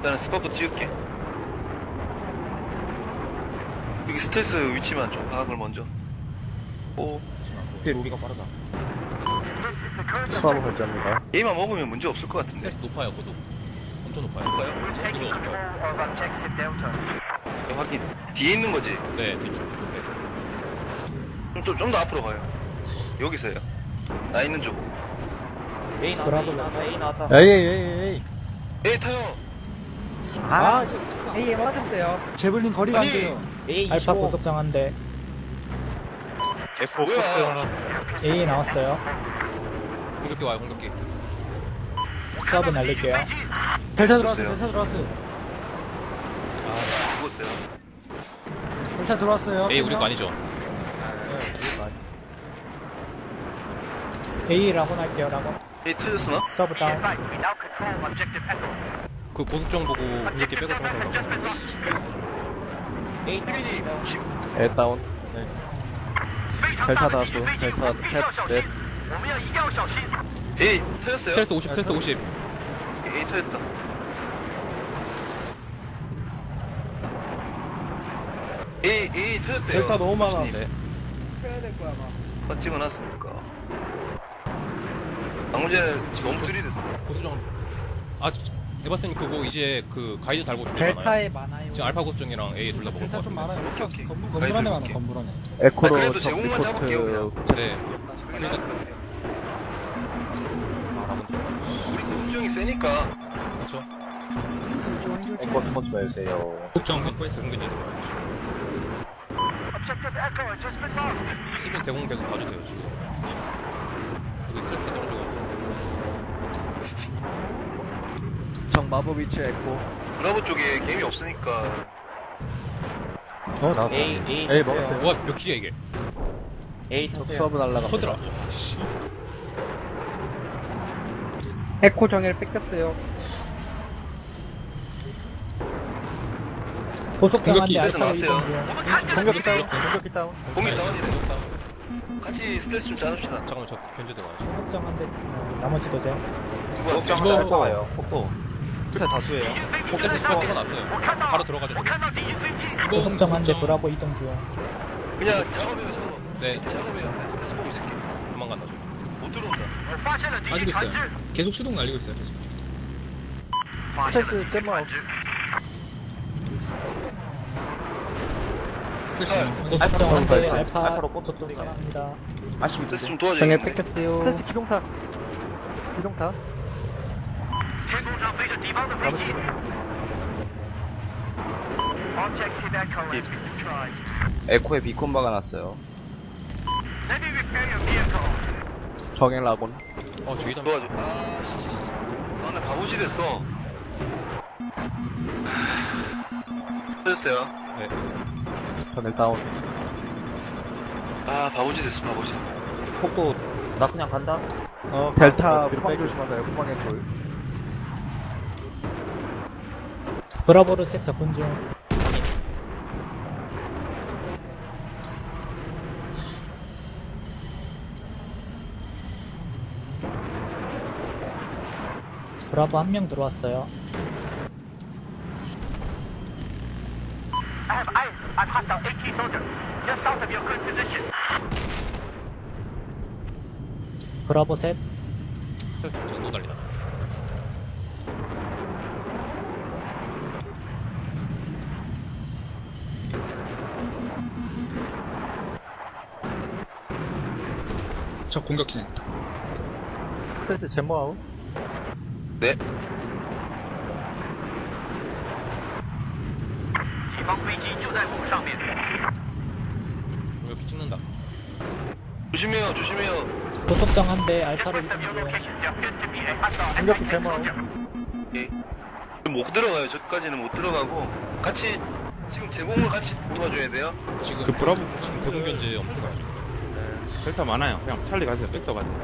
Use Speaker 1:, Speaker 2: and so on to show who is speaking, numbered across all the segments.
Speaker 1: 일단은 스파프 찍을게. 여기 스텔스 위치만 좀 파악을 먼저. 오.
Speaker 2: 우리가 빠르다.
Speaker 3: 수압 결제합니다.
Speaker 1: 얘만 먹으면 문제 없을 것 같은데.
Speaker 2: 스트레스 높아요, 고도. 엄청 높아요.
Speaker 1: 볼까요?
Speaker 2: 고도 높아요.
Speaker 1: 확인. 뒤에 있는 거지?
Speaker 2: 네, 뒤쪽.
Speaker 1: 좀 더 앞으로 가요. 여기서요. 나 있는 쪽.
Speaker 4: A 나왔다. A 나왔다.
Speaker 3: 에이.
Speaker 1: 에이, 타요!
Speaker 4: A에 맞았어요.
Speaker 3: 제블린 거리가 안
Speaker 1: 아니.
Speaker 3: 돼요.
Speaker 4: A
Speaker 5: 알파
Speaker 4: 25.
Speaker 5: 고속정 한 대.
Speaker 1: 뭐야?
Speaker 5: A 나왔어요.
Speaker 2: 공격기 와요, 공격기.
Speaker 5: 수압은 날릴게요.
Speaker 3: 델타
Speaker 1: 들어왔어요.
Speaker 3: 들어왔어요.
Speaker 1: 죽었어요.
Speaker 3: 델타 들어왔어요.
Speaker 2: A 우리 거 아니죠?
Speaker 5: A 라곤 할게요, 라곤.
Speaker 1: 에이, 터졌으나?
Speaker 5: 서브 다운.
Speaker 2: 그 고속정 보고 공격기 빼고 들어가려고.
Speaker 4: A
Speaker 1: 휘빈이,
Speaker 4: 나왔어요.
Speaker 3: 에 다운. 델타 다수. 델타 넷.
Speaker 1: 에이, 터졌어요?
Speaker 2: 스트레스 50, 스트레스 50.
Speaker 1: 에이, 터졌다. 에이, 터졌어요.
Speaker 3: 델타 너무 많아.
Speaker 1: 네. 찍어놨으니까. 방문제 너무 들이댔어.
Speaker 2: 고속정. 아, 에바스님 그거 이제 그 가이드 달고 준비잖아요.
Speaker 4: 델타에 많아요.
Speaker 2: 지금 알파 고속정이랑 A 둘 다 먹을 것
Speaker 3: 델타 좀
Speaker 2: 같은데.
Speaker 3: 많아요.
Speaker 1: 오케이.
Speaker 3: 건물 안에 많아.
Speaker 1: 오케이.
Speaker 3: 건물 안에.
Speaker 1: 그래도
Speaker 3: 에코로
Speaker 1: 제공만 잡을게요,
Speaker 2: 네.
Speaker 1: 그러니까 우리 공정이 세니까.
Speaker 2: 그렇죠.
Speaker 3: 에코 스폰지 해주세요.
Speaker 2: 고속정 확보해서 공격이 들어와요. 시즌 대공 계속 봐도 돼요, 지금. 여기 스트레스 너무 좋아.
Speaker 3: 정 마법 위치 에코.
Speaker 1: 브라보 쪽에 게임이 없으니까.
Speaker 3: 나도.
Speaker 4: A
Speaker 3: 먹었어요.
Speaker 2: 와, 몇 킬이야, 이게?
Speaker 4: A 탔어요.
Speaker 3: 수압은 날라갑니다.
Speaker 2: 터들어. 씨.
Speaker 4: 에코 정예를 뺏겼어요.
Speaker 5: 고속정 한 대
Speaker 2: 공격기
Speaker 5: 알파로
Speaker 1: 나왔어요.
Speaker 5: 이동 중.
Speaker 3: 공격기 다운. 공격기 다운.
Speaker 1: 공이 다운이네. 같이 스트레스 좀 짜줍시다.
Speaker 2: 잠깐만, 저 견제 들어와야죠.
Speaker 5: 고속정 한 대 쓰면 나머지도 제.
Speaker 1: 누구한테?
Speaker 2: 이거
Speaker 4: 와요. 폭포.
Speaker 3: 끝에 다수예요.
Speaker 2: 포켓스 스팟 찍어놨어요. 바로 들어가죠. 이거
Speaker 5: 고속정 한 대 브라보 이동 중.
Speaker 1: 그냥 작업해요, 작업.
Speaker 2: 네,
Speaker 1: 작업해요. 네, 스트레스 보고 있을게.
Speaker 2: 도망간다, 지금.
Speaker 1: 못 들어온다.
Speaker 2: 가지고 있어요. 계속 수동 날리고 있어요, 계속.
Speaker 3: 스텔스 잼마.
Speaker 5: 고속정 한 대 알파
Speaker 4: 알파로
Speaker 5: 고속정 합니다.
Speaker 1: 스트레스 좀
Speaker 4: 정예
Speaker 1: 도와줘야겠네.
Speaker 4: 뺏겼어요.
Speaker 3: 스텔스 기동타. 기동타.
Speaker 6: 에코에 비콘 박아놨어요.
Speaker 3: 정행 라곤.
Speaker 2: 저기다.
Speaker 1: 도와줘. 나 바보시 됐어. 터졌어요.
Speaker 2: 네.
Speaker 3: 선을 다운.
Speaker 1: 바보시 됐어, 바보시.
Speaker 4: 폭도 나 그냥 간다.
Speaker 3: 델타 후방 조심하세요. 후방에 돌.
Speaker 5: 브라보를 셋 접근 중. 브라보 한 명 들어왔어요. 브라보 셋.
Speaker 2: 스트레스 이 정도 달리나. 저 공격기.
Speaker 3: 스텔스 잼마아웃.
Speaker 1: 네.
Speaker 2: 공격기 찍는다.
Speaker 1: 조심해요, 조심해요.
Speaker 5: 고속정 한 대 알파로 이동 중.
Speaker 3: 공격기 잼마아웃.
Speaker 1: 예. 못 들어가요. 저까지는 못 들어가고. 같이, 지금 제공을 같이 도와줘야 돼요.
Speaker 2: 지금
Speaker 7: 그 브라보
Speaker 2: 지금 대공 견제 엄청 가죠.
Speaker 7: 델타 많아요. 그냥 찰리 가세요. 백도 가세요.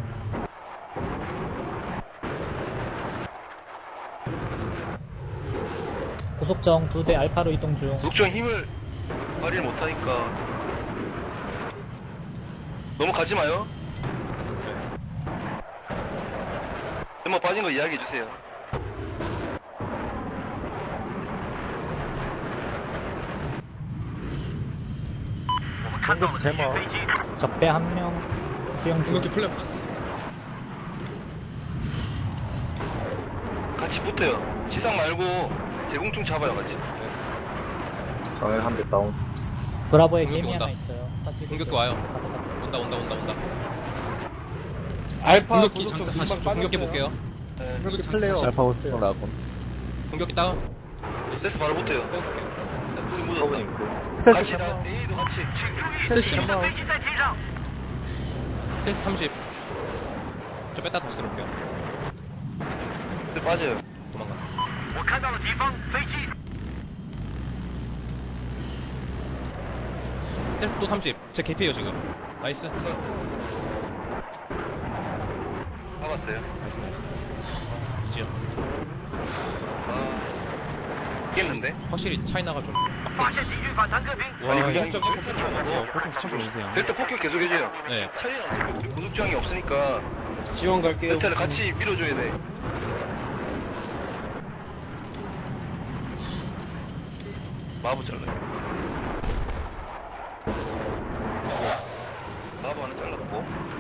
Speaker 5: 고속정 두 대 알파로 이동 중.
Speaker 1: 녹정 힘을 발휘를 못하니까. 너무 가지 마요. 한번 빠진 거 이야기해주세요.
Speaker 3: 공격기 제모.
Speaker 5: 적배 1명 수영 중.
Speaker 7: 공격기 플랫 받았어.
Speaker 1: 같이 붙어요. 지상 말고 제공중 잡아요, 같이.
Speaker 3: 성일 한대 다운.
Speaker 5: 브라보에
Speaker 2: 공격기
Speaker 5: 개미 하나
Speaker 2: 온다.
Speaker 5: 있어요. 스팟 찍을게요.
Speaker 2: 공격기 와요.
Speaker 5: 바닥 쪽.
Speaker 2: 온다.
Speaker 7: 알파
Speaker 2: 공격기 잠깐 다시 공격기 볼게요.
Speaker 1: 네.
Speaker 3: 공격기 플레이어. 알파 호스팅 라군.
Speaker 2: 공격기 다운.
Speaker 1: 됐어, 바로 붙어요.
Speaker 2: 빼볼게요.
Speaker 1: 불이 묻었다.
Speaker 3: 스텔스
Speaker 1: 같이 다,
Speaker 3: 제모.
Speaker 1: A도 같이.
Speaker 3: 스텔스 제모.
Speaker 2: 스텔스 30. 저 뺐다 다시 들어올게요.
Speaker 1: 네, 빠져요.
Speaker 2: 도망가. 스텔스 또 30. 제 개피에요 지금. 나이스.
Speaker 1: 잡았어요.
Speaker 2: 이지요.
Speaker 1: 아, 이겼는데?
Speaker 2: 확실히 차이나가 좀.
Speaker 1: 아니, 그게 아니고
Speaker 7: 고총 스탑을 주세요.
Speaker 1: 델타 폭격 계속 해줘요.
Speaker 2: 네.
Speaker 1: 차이는 어차피 우리 고속주항이 없으니까
Speaker 7: 지원 갈게요.
Speaker 1: 델타를 같이 밀어줘야 돼. 마부 잘라요. 마부 하나 잘랐고.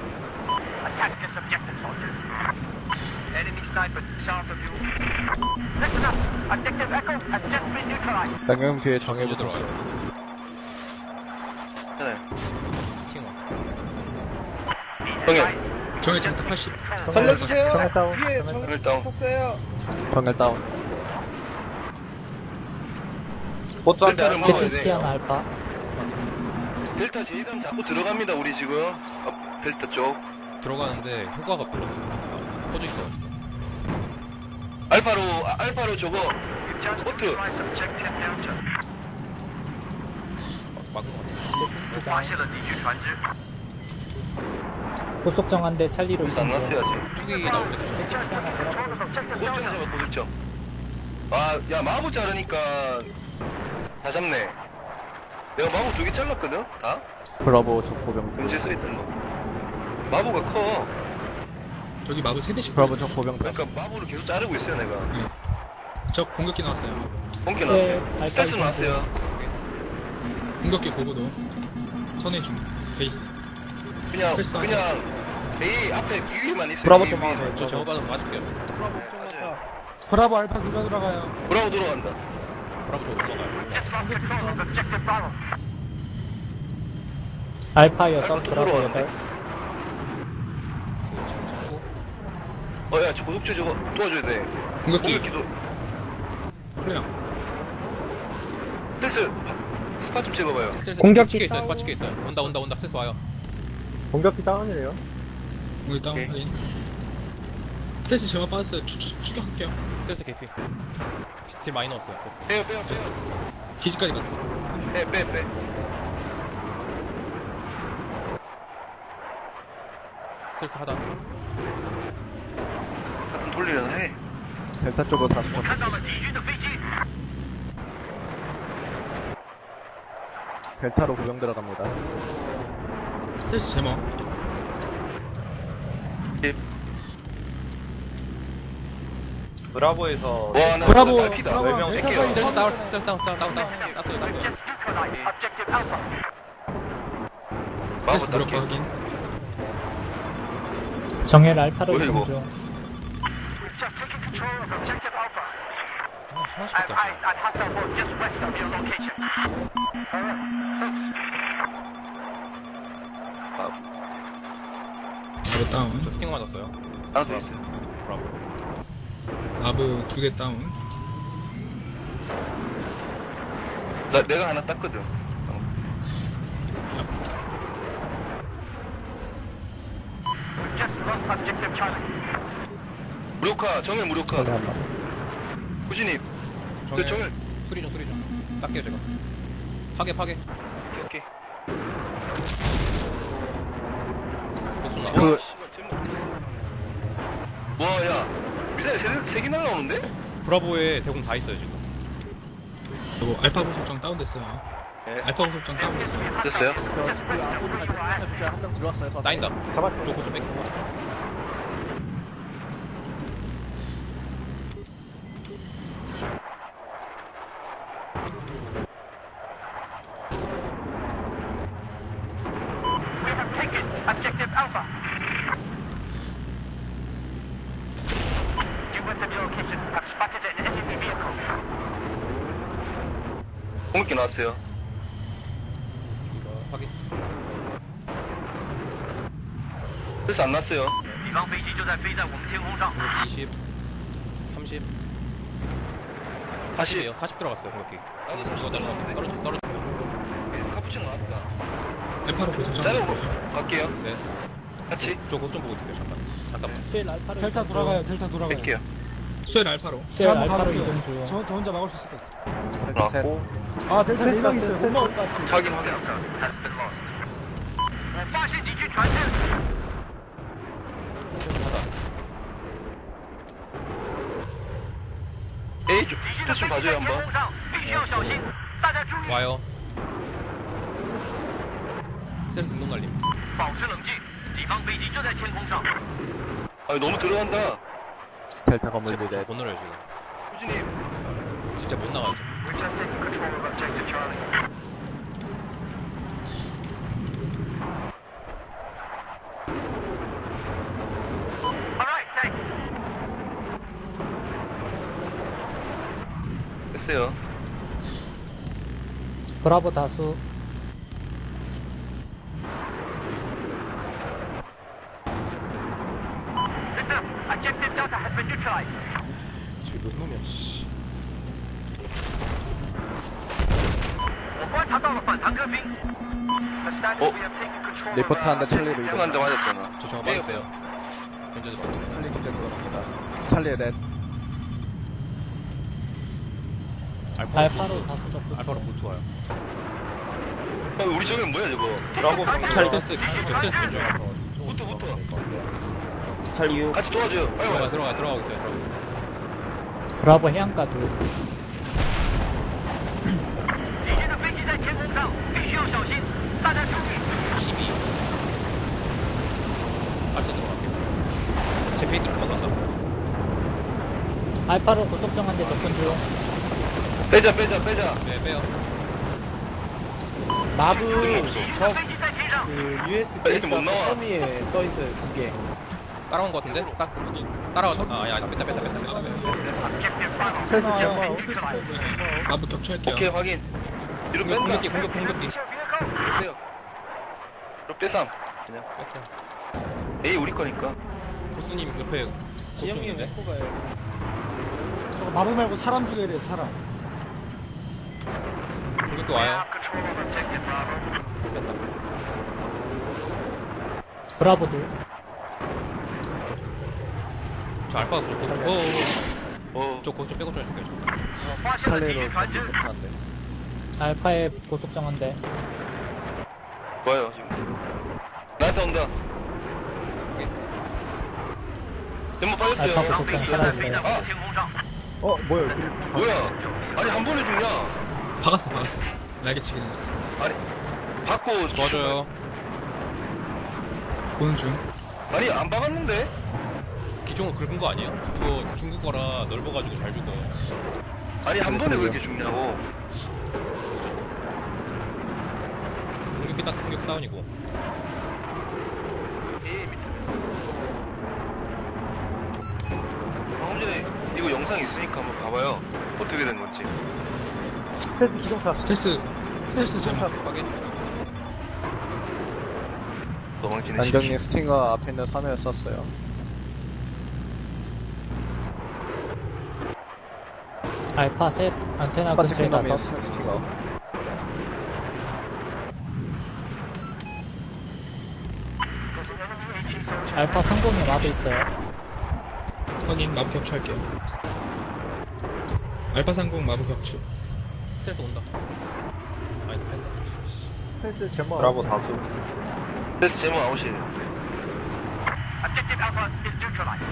Speaker 3: 당경 뒤에 정해
Speaker 2: 먼저
Speaker 3: 붙었어.
Speaker 2: 들어와요.
Speaker 1: 괜찮아요.
Speaker 2: 킹어.
Speaker 1: 정해.
Speaker 7: 정해 장타 80.
Speaker 3: 살려주세요. 정해 다운.
Speaker 1: 정해 다운.
Speaker 3: 정해 다운.
Speaker 1: 델타를 먹어야
Speaker 5: 제트스키
Speaker 1: 돼.
Speaker 5: 하나 알파.
Speaker 1: 델타 제이단 자꾸 들어갑니다, 우리 지금. 아, 델타 쪽.
Speaker 2: 들어가는데 효과가 별로 없어요. 퍼져 있어가지고.
Speaker 1: 알파로 저거. 보트.
Speaker 2: 막은 것 같아요.
Speaker 5: 제트스키 다운. 고속정 한 대 찰리로
Speaker 1: 벌써 안
Speaker 5: 이동 중.
Speaker 1: 났어야지.
Speaker 2: 투기 나올 때 조심.
Speaker 5: 제트스키 하나 브라보.
Speaker 1: 고속점 잡아, 고속점. 아, 야, 마부 자르니까 다 잡네. 내가 마부 2개 잘랐거든? 다?
Speaker 3: 브라보 적보병.
Speaker 1: 문제 써있던 거. 마부가 커.
Speaker 7: 저기 마부 3대씩.
Speaker 3: 브라보 적보병.
Speaker 1: 그러니까 마부를 계속 자르고 있어요, 내가.
Speaker 7: 저 공격기 나왔어요.
Speaker 1: 본게
Speaker 5: 네,
Speaker 1: 나왔어요. 스트레스
Speaker 5: 알파
Speaker 1: 나왔어요.
Speaker 7: 공격기 고고도. 선해 중. 베이스.
Speaker 1: 그냥
Speaker 7: 됐어.
Speaker 1: A 앞에 위에만 있어요.
Speaker 3: 브라보
Speaker 1: A
Speaker 3: 좀
Speaker 1: 위에만.
Speaker 3: 하세요.
Speaker 2: 저 저거 받아서 맞을게요.
Speaker 1: 맞아요.
Speaker 3: 브라보 알파 누가 들어가요?
Speaker 1: 브라보 들어간다.
Speaker 2: 브라보 저 올라가요.
Speaker 5: 알파 6,
Speaker 1: 알파
Speaker 5: 브라보
Speaker 1: 들어가는데?
Speaker 5: 8.
Speaker 1: 야, 저 고속주 저거 도와줘야 돼.
Speaker 7: 공격기.
Speaker 1: 공격기도.
Speaker 7: 플레어.
Speaker 1: 스트레스 스팟 좀 찍어봐요.
Speaker 2: 스텔스
Speaker 4: 공격기
Speaker 2: 찍혀 있어요.
Speaker 4: 다운.
Speaker 2: 스팟 찍혀 있어요. 온다. 스텔스 와요.
Speaker 3: 공격기 다운이래요.
Speaker 7: 공격기 다운
Speaker 1: 오케이.
Speaker 7: 확인. 스트레스 제가 빠졌어요. 추격할게요.
Speaker 2: 스텔스 개피. 딜 많이 넣었어요.
Speaker 1: 빼요.
Speaker 7: 기지까지 갔어.
Speaker 1: 빼.
Speaker 2: 스텔스 하다.
Speaker 1: 같은 돌리려나 해.
Speaker 3: 델타 쪽으로 다시 좀. 델타로 구경 들어갑니다.
Speaker 7: 스트레스 제모.
Speaker 4: 브라보에서
Speaker 1: 와, 나
Speaker 3: 브라보,
Speaker 1: 딸피다.
Speaker 3: 브라보,
Speaker 1: 몇
Speaker 3: 델타
Speaker 1: 개요?
Speaker 3: 사이
Speaker 2: 스텔스 다운. 땄어요.
Speaker 1: 마부
Speaker 7: 스트레스 무력화
Speaker 1: 딸피.
Speaker 7: 확인.
Speaker 5: 정엘 알파로
Speaker 1: 뭐야,
Speaker 5: 이동
Speaker 1: 이거?
Speaker 5: 중.
Speaker 2: 하나씩밖에 안 돼.
Speaker 7: 마부 다운.
Speaker 2: 저 스팅 맞았어요.
Speaker 1: 하나 더 있어요.
Speaker 2: 브라보.
Speaker 7: 마부 2개 다운.
Speaker 1: 내가 하나 땄거든. 무력화, 정면 무력화.
Speaker 3: 소리 한 번.
Speaker 1: 구진입. 그
Speaker 2: 정해.
Speaker 1: 정면.
Speaker 2: 수리 좀. 닦게요 제가. 파괴.
Speaker 1: 오케이.
Speaker 2: 복수 나.
Speaker 3: 그-
Speaker 1: 와, 씨발, 제목. 와, 야. 미사일 3개 날라오는데?
Speaker 2: 브라보에 대공 다 있어요 지금.
Speaker 7: 그리고 알파 고속정 다운됐어요.
Speaker 1: 네.
Speaker 7: 알파 고속정 다운됐어요.
Speaker 1: 됐어요?
Speaker 3: 그 아군 탈출 주자 한명 들어왔어요.
Speaker 2: 따인다.
Speaker 3: 잡았죠.
Speaker 2: 저거 좀 뺏기고.
Speaker 8: Objective Alpha. You went to the location. I've spotted an enemy vehicle.
Speaker 1: 공격기 나왔어요.
Speaker 2: 확인.
Speaker 1: 그래서 안 났어요.
Speaker 8: 敌方飞机就在飞在我们天空上。
Speaker 2: 20, 30,
Speaker 1: 40.
Speaker 2: 40이에요. 40 들어갔어요, 공격기.
Speaker 1: 나도 40
Speaker 2: 이거
Speaker 1: 들어갔는데.
Speaker 2: 떨어졌어요.
Speaker 1: 카푸치노 나왔다.
Speaker 7: 알파로 보자.
Speaker 1: 짜리로 갈게요.
Speaker 2: 네.
Speaker 1: 같이
Speaker 2: 저거 좀 보고 있을게요, 잠깐만.
Speaker 5: 스엘 알파로
Speaker 9: 델타
Speaker 5: 이동
Speaker 9: 돌아가요.
Speaker 5: 중.
Speaker 9: 델타 돌아가요.
Speaker 1: 뺄게요.
Speaker 7: 수엘 알파로.
Speaker 5: 스엘
Speaker 9: 한번
Speaker 5: 알파로
Speaker 9: 가볼게요.
Speaker 5: 이동 중.
Speaker 9: 저 혼자 막을 수 있을 것 같아요.
Speaker 1: 나왔고.
Speaker 9: 아 델타 4명 있어요. 못 막을 것 같아요.
Speaker 1: 확인 확인.
Speaker 8: Has been lost. 我发现敌军船只。
Speaker 1: A 좀
Speaker 8: 敌军
Speaker 1: 스탯
Speaker 8: 的
Speaker 1: 좀
Speaker 8: 飞机
Speaker 1: 봐줘요
Speaker 8: 在天
Speaker 1: 한번.
Speaker 8: 空上，必须要小心。大家注意，
Speaker 2: 와요. 셀 등록 날림.
Speaker 8: 保持冷静。敌方飞机就在天空上。
Speaker 1: 아 너무 들어간다.
Speaker 3: 델타 건물 미래.
Speaker 2: 못 놀아요, 지금.
Speaker 1: 후진님.
Speaker 2: 진짜 못 나가죠.
Speaker 8: We're just taking control of Objective Charlie. All right, thanks.
Speaker 1: 됐어요.
Speaker 5: 브라보 다수.
Speaker 8: Listen, Objective Delta has been neutralized.
Speaker 2: 지금 놈이야, 씨.
Speaker 8: 我观察到了反坦克兵。The status we have taken control of
Speaker 3: 리포트 한대 찰리로 이동.
Speaker 1: 형 한 대 맞았어 나.
Speaker 2: 저 정화
Speaker 1: 네.
Speaker 2: 빠졌어요. 견제도
Speaker 3: 찰리 군대 들어갑니다. 찰리 렛.
Speaker 5: 알파로 다수 접근
Speaker 2: 알파로
Speaker 5: 중.
Speaker 2: 보트 와요.
Speaker 1: 우리 저기 뭐야 저거?
Speaker 4: 브라보
Speaker 2: 찰리 댄스, 댄스 견제.
Speaker 1: 붙어.
Speaker 4: 스탈 6.
Speaker 1: 같이 도와줘요. 빨리 와요.
Speaker 2: 들어가고 있어요, 들어가고.
Speaker 5: 브라보 해안가 둘.
Speaker 8: 敌军的飞机在天空上，必须要小心。大家注意。
Speaker 2: 12. 빨리 들어갈게요. 제 페이스를 도망간다.
Speaker 5: 알파로 고속 정한대 접근 중.
Speaker 1: 빼자.
Speaker 2: 네, 빼요.
Speaker 9: 마부
Speaker 8: 敌军的飞机在天上。
Speaker 9: 그 US
Speaker 1: 이렇게 못 나와.
Speaker 9: 섬 위에 떠 있어요. 2개.
Speaker 2: 따라온 것 같은데? 따라왔어? 뺐다.
Speaker 8: Objective Bravo.
Speaker 9: 스텔스
Speaker 5: 아,
Speaker 9: gemma.
Speaker 7: 마부 격추할게요.
Speaker 1: 오케이 확인. 뒤로 뺀다.
Speaker 2: 공격기.
Speaker 8: Your vehicle.
Speaker 1: 빼요. 뒤로 빼삼.
Speaker 2: 그냥 뺐어.
Speaker 1: A 우리 거니까.
Speaker 2: 보스님 옆에
Speaker 9: 지영님
Speaker 2: 고스인데?
Speaker 9: Echo 가요. 마부 말고 사람 죽여야 돼요. 사람.
Speaker 2: 공격기
Speaker 8: We
Speaker 2: 와요.
Speaker 8: have control of Objective Bravo.
Speaker 2: 뺐다.
Speaker 5: 브라보 둘.
Speaker 2: 저 알파가 그렇고. 저 고스 좀 빼고 좀 해줄게요.
Speaker 8: 我发现了敌
Speaker 3: 찰리로
Speaker 8: 军船只。
Speaker 3: 리포트 한 대.
Speaker 5: 알파의 고속 정한대.
Speaker 1: 좋아요 지금. 나한테 온다. 전부 빠졌어요.
Speaker 5: 알파 고속 정
Speaker 8: 飞在
Speaker 5: 살아있어요.
Speaker 8: 我们天空上。
Speaker 3: 뭐야?
Speaker 1: 뭐야? 아니 한 번에 죽냐?
Speaker 7: 박았어. 날개치기 했어.
Speaker 1: 아니 받고
Speaker 2: 도와줘요.
Speaker 7: 보는 중.
Speaker 1: 아니 안 박았는데?
Speaker 2: 기종을 긁은 거 아니에요? 그거 중국 거라 넓어가지고 잘 죽어.
Speaker 1: 아니 한 번에 왜 이렇게 죽냐고.
Speaker 2: 공격 다운이고.
Speaker 1: A 밑에서. 방금 전에 이거 영상 있으니까 한번 봐봐요. 어떻게 된 건지.
Speaker 9: 스텔스 기동파.
Speaker 7: 스텔스 gemma.
Speaker 2: 확인.
Speaker 1: 도망치는
Speaker 3: 안경님 스팅어 앞에 있는 섬에 썼어요.
Speaker 5: 알파 셋. 안테나 근처에
Speaker 3: 스파티클 놈이
Speaker 5: 다섯.
Speaker 3: 스팅어.
Speaker 5: 알파 상공에 마비 있어요.
Speaker 7: 확인. 마부 격추할게요. 알파 상공 마부 격추.
Speaker 2: 스텔스 온다. 아니, 뺀다.
Speaker 9: 스텔스 gemma.
Speaker 4: 브라보 다수.
Speaker 1: 그래서 제목 아웃이에요.
Speaker 8: Objective Alpha is neutralized.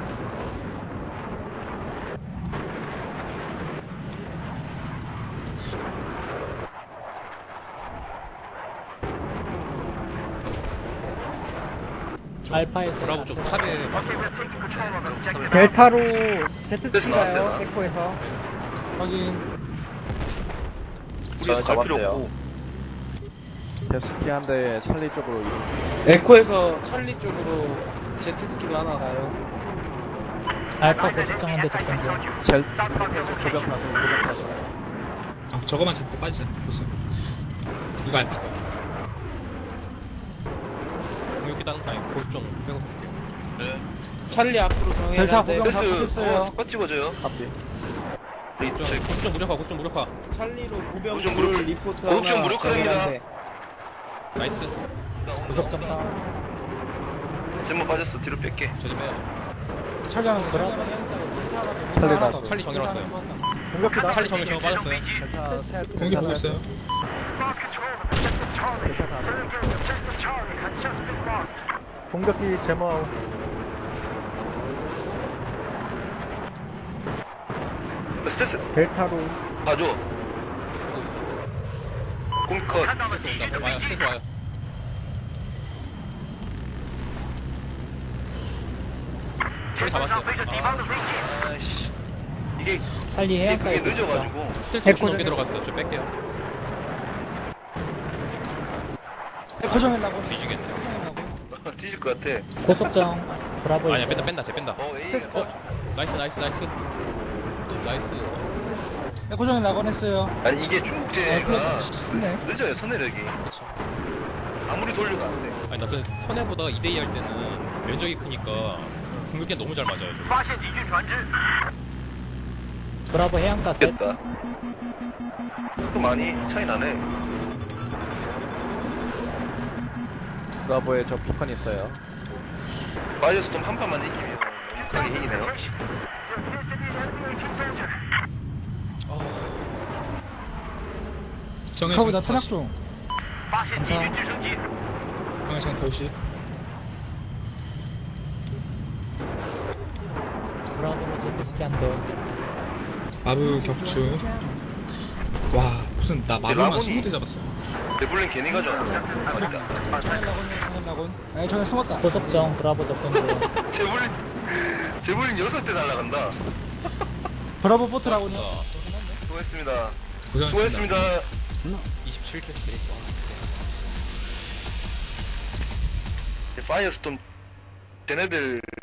Speaker 5: 알파에서
Speaker 2: 브라보 쪽 탑에
Speaker 8: Okay, we're taking control of Objective
Speaker 4: 델타로
Speaker 1: 그래서 나왔어요.
Speaker 4: 에코에서.
Speaker 9: 확인.
Speaker 1: 우리가 갈 필요 없고.
Speaker 3: 데스키 한 대에 찰리 쪽으로 이동.
Speaker 4: 에코에서 찰리 쪽으로 제트스키로 하나 가요.
Speaker 5: 알파 고속정한대 접근 중.
Speaker 3: 젤, 고병 타수.
Speaker 7: 아, 저거만 잡고 빠지자. 벌써. 이거 알파.
Speaker 2: 공격기 다른 타임 고정 빼고 볼게요.
Speaker 1: 네.
Speaker 4: 찰리 앞으로
Speaker 9: 델타
Speaker 4: 정해놨는데
Speaker 9: 고병 다
Speaker 1: 패스
Speaker 9: 붙였어요.
Speaker 1: 스팟 찍어줘요.
Speaker 3: 앞뒤.
Speaker 1: 네, 저희
Speaker 2: 고정 무력화 고정 무력화.
Speaker 4: 찰리로 구병
Speaker 1: 구정
Speaker 4: 둘
Speaker 1: 무력-
Speaker 4: 리포트
Speaker 1: 구정
Speaker 4: 하나
Speaker 1: 무력화됩니다.
Speaker 4: 정해놨는데
Speaker 2: 나이스.
Speaker 5: 고속정 다.
Speaker 1: 제목 빠졌어. 뒤로 뺄게.
Speaker 2: 저 좀 해요.
Speaker 9: 찰리 하나
Speaker 5: 브라보
Speaker 9: 더.
Speaker 3: 찰리
Speaker 9: 하나
Speaker 3: 나왔어.
Speaker 9: 더.
Speaker 2: 찰리 정렬 왔어요.
Speaker 3: 공격기다.
Speaker 2: 찰리 정면 저거 빠졌어요.
Speaker 3: 델타 셋.
Speaker 7: 공격 보고 있어요.
Speaker 8: Lost control of objective Charlie.
Speaker 3: 델타 다수.
Speaker 8: Renegade objective Charlie has just been lost.
Speaker 3: 공격기 제모.
Speaker 1: 스트레스
Speaker 3: 델타로.
Speaker 1: 봐줘.
Speaker 2: 하고 있어요.
Speaker 1: 공컷.
Speaker 8: Hand on the
Speaker 2: 스트레스
Speaker 8: siege
Speaker 2: 온다. 와요. 스트레스 와요. 찰리 잡았어요.
Speaker 8: Vision demand is reaching.
Speaker 1: 아이씨. 이게
Speaker 5: 찰리
Speaker 1: 그게
Speaker 5: 해안가에 고속정.
Speaker 1: 늦어가지고.
Speaker 2: 스트레스 엄청 넘게 들어갔어요. 저 뺄게요.
Speaker 9: 고정하려고.
Speaker 2: 뒤지겠네.
Speaker 9: 고정하려고.
Speaker 1: 뒤질 것 같아.
Speaker 5: 고속정 브라보
Speaker 2: 아니야
Speaker 5: 있어요.
Speaker 2: 뺀다 쟤 뺀다.
Speaker 1: A.
Speaker 2: 나이스. 또 나이스.
Speaker 9: 고정하려고 했어요.
Speaker 1: 아니 이게 중국제가
Speaker 9: 쉽네.
Speaker 1: 늦어요. 선회력이.
Speaker 2: 그쵸.
Speaker 1: 아무리 돌려도 안 돼.
Speaker 2: 아니 나그 선해보다 2대2 할 때는 면적이 크니까 공격기 너무 잘 맞아요. 저.
Speaker 8: 发现敌军船只。
Speaker 5: 브라보 해안가 셋.
Speaker 1: 됐다. 또 많이 차이 나네.
Speaker 3: 브라보에 저 폭탄 있어요.
Speaker 1: 마이어스 좀 한 판만 이기면 완벽하게 이기네요.
Speaker 8: Your destiny enemy 18 soldier.
Speaker 7: 정해
Speaker 9: 카고 나 탄약 중.
Speaker 8: 发现敌军直升机。
Speaker 7: 방해장投시
Speaker 5: 브라보로 제트스키 한 대.
Speaker 7: 마루 격추. 와, 무슨 나 마루만
Speaker 1: 라곤이-
Speaker 7: 20대 잡았어.
Speaker 1: 레블린 괜히 가져왔다.
Speaker 9: 정해라곤. 아니 정해 숨었다.
Speaker 5: 고속정 브라보 접근 중.
Speaker 1: 제블린 6대 날라간다.
Speaker 9: 브라보 보트라곤이요.
Speaker 1: 수고했습니다.
Speaker 7: 고생하셨습니다.
Speaker 1: 수고했습니다.
Speaker 2: 27킬 스트레이트.
Speaker 1: 파이어스톰 쟤네들